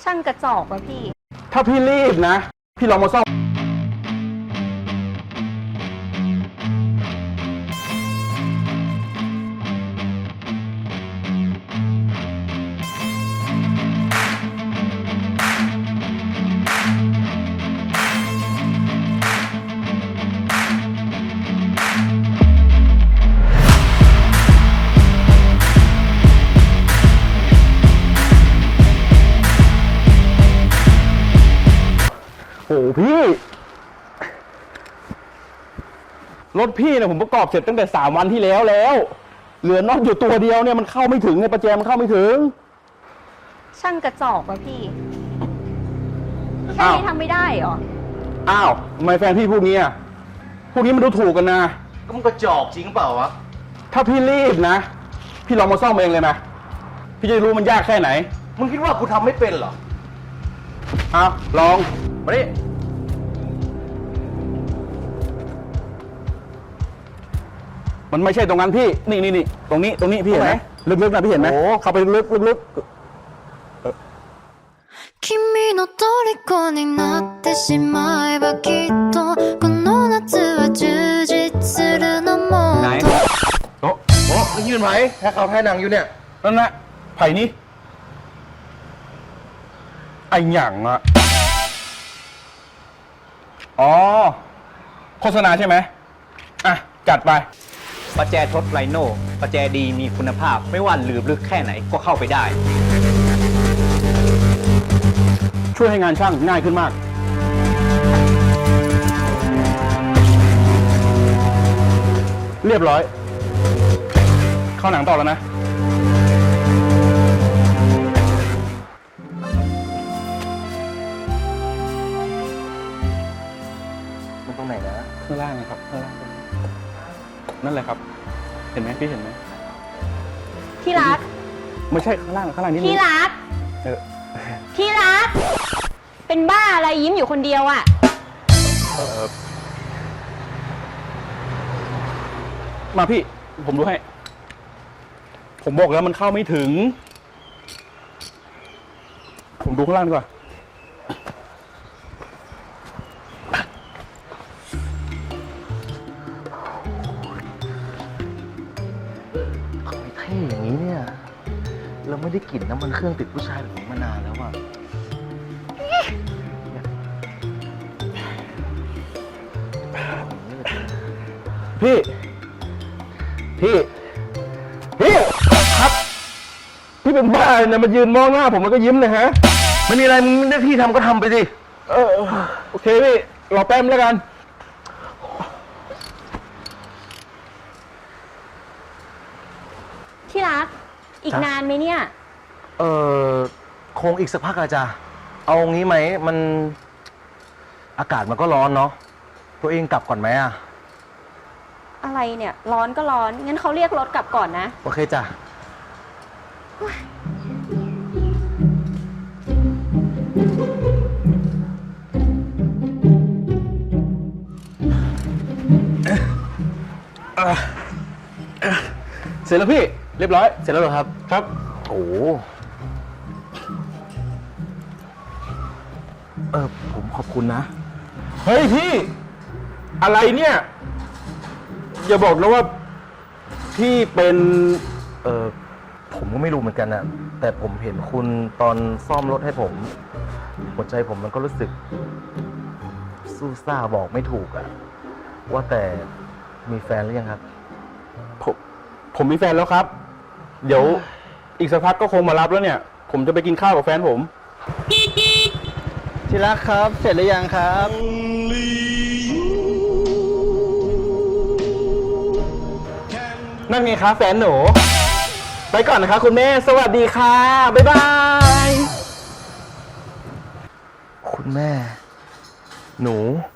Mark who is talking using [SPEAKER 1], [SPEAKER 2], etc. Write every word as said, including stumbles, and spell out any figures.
[SPEAKER 1] ช่างกระจอกว่ะพี่
[SPEAKER 2] ถ้าพี่รีบนะพี่ลองมาซ่อมโอ้พี่รถพี่เนี่ยผมประกอบเสร็จตั้งแต่สามวันที่แล้วแล้วเหลือน็อตอยู่ตัวเดียวเนี่ยมันเข้าไม่ถึงไงประแจมันเข้าไม่ถึง
[SPEAKER 1] ช่างกระจอกว่ะพี่แค่นี้ทำไม่ได้เหรอ
[SPEAKER 2] อ้าวทำไมแฟนพี่พูดงี้อ่ะพวกนี้มันดูถูกกันนะ
[SPEAKER 3] ก็มันกระจอกจริงเปล่าวะ
[SPEAKER 2] ถ้าพี่รีบนะพี่ลองมาซ่อมเองเลยไหมพี่จะรู้มันยากแค่ไหน
[SPEAKER 3] มึงคิดว่ากูทำไม่เป็นเหรอ
[SPEAKER 2] อ้าวลองมาดิมันไม่ใช่ตรงนั้นพี่นี่นี่นี่ตรงนี้ตรงนี้พี่เห็นไหมลึกๆนะพี่เห็นไหมเข้าไปลึกๆลึก
[SPEAKER 4] 君の虜になってしまえばきっとこの夏は充実するのも
[SPEAKER 2] ไหนโอ้
[SPEAKER 3] โอ้นี่เป็นไผ่แค่เขาแค่หนังอยู่เนี่ย
[SPEAKER 2] นั่นแหละไผ่นี่ไอ้หยั่งอะอ๋อโฆษณาใช่ไหมอ่ะจัดไป
[SPEAKER 5] ประแจทดไรโน่ประแจดีมีคุณภาพไม่ว่าหลืบลึกแค่ไหนก็เข้าไปได้
[SPEAKER 2] ช่วยให้งานช่างง่ายขึ้นมากเรียบร้อยเข้าหนังต่อแล้วนะ
[SPEAKER 3] มันตรงไหนนะ
[SPEAKER 2] ข้างล่างนะครับข้างล่างนั่นแหละครับเห็นไหมพี่เห็นไหม
[SPEAKER 1] ที่รัก
[SPEAKER 2] ไม่ใช่ข้างล่างข้างล่างนี่
[SPEAKER 1] ที่รัก
[SPEAKER 2] เออ
[SPEAKER 1] ที่รักเป็นบ้าอะไรยิ้มอยู่คนเดียวอ่ะ
[SPEAKER 2] มาพี่ผมดูให้ผมบอกแล้วมันเข้าไม่ถึงผมดูข้างล่างดีกว่า
[SPEAKER 3] เท่อย่างนี้เนี่ยเราไม่ได้กลิ่นน้ำมันเครื่องติดผู้ชายแบบนี้มานานแล้วอ่ะ
[SPEAKER 2] พี่พี่พี่ครับพี่เป็นบ้าเนี่ยมายืนมองหน้าผมแล้วก็ยิ้มเลยฮะ
[SPEAKER 3] ไม่มีอะไรมึงหน้าที่ทำก็ทำไปสิ
[SPEAKER 2] เออโอเคพี่รอแป๊บแล้วกัน
[SPEAKER 1] ที่รักอีกนานไหมเนี่ย
[SPEAKER 3] เออคงอีกสักพักอาจารย์เอางี้ไหมมันอากาศมันก็ร้อนเนาะตัวเองกลับก่อนไหมอะ
[SPEAKER 1] อะไรเนี่ยร้อนก็ร้อนงั้นเขาเรียกรถกลับก่อนนะ
[SPEAKER 3] โอเคจ้ะ
[SPEAKER 2] เสร็จแล้วพี่เรียบร้อย
[SPEAKER 3] เสร็จแล้วเหรอครับ
[SPEAKER 2] ครับ
[SPEAKER 3] โอ้เออผมขอบคุณนะ
[SPEAKER 2] เฮ้ยพี่อะไรเนี่ยอย่าบอกนะว่าพี่เป็น
[SPEAKER 3] เออผมก็ไม่รู้เหมือนกันนะแต่ผมเห็นคุณตอนซ่อมรถให้ผมหัวใจผมมันก็รู้สึกสู้ซ่าบอกไม่ถูกอะว่าแต่มีแฟนหรือยังครับ
[SPEAKER 2] ผมผมมีแฟนแล้วครับเดี๋ยวอีกสักพักก็คงมารับแล้วเนี่ยผมจะไปกินข้าวกับแฟนผม
[SPEAKER 5] ที่รักครับเสร็จหรือยังครับ
[SPEAKER 2] นั่นไงครับแฟนหนูไปก่อนนะครับคุณแม่สวัสดีค่ะบ๊ายบาย
[SPEAKER 3] คุณแม่หนู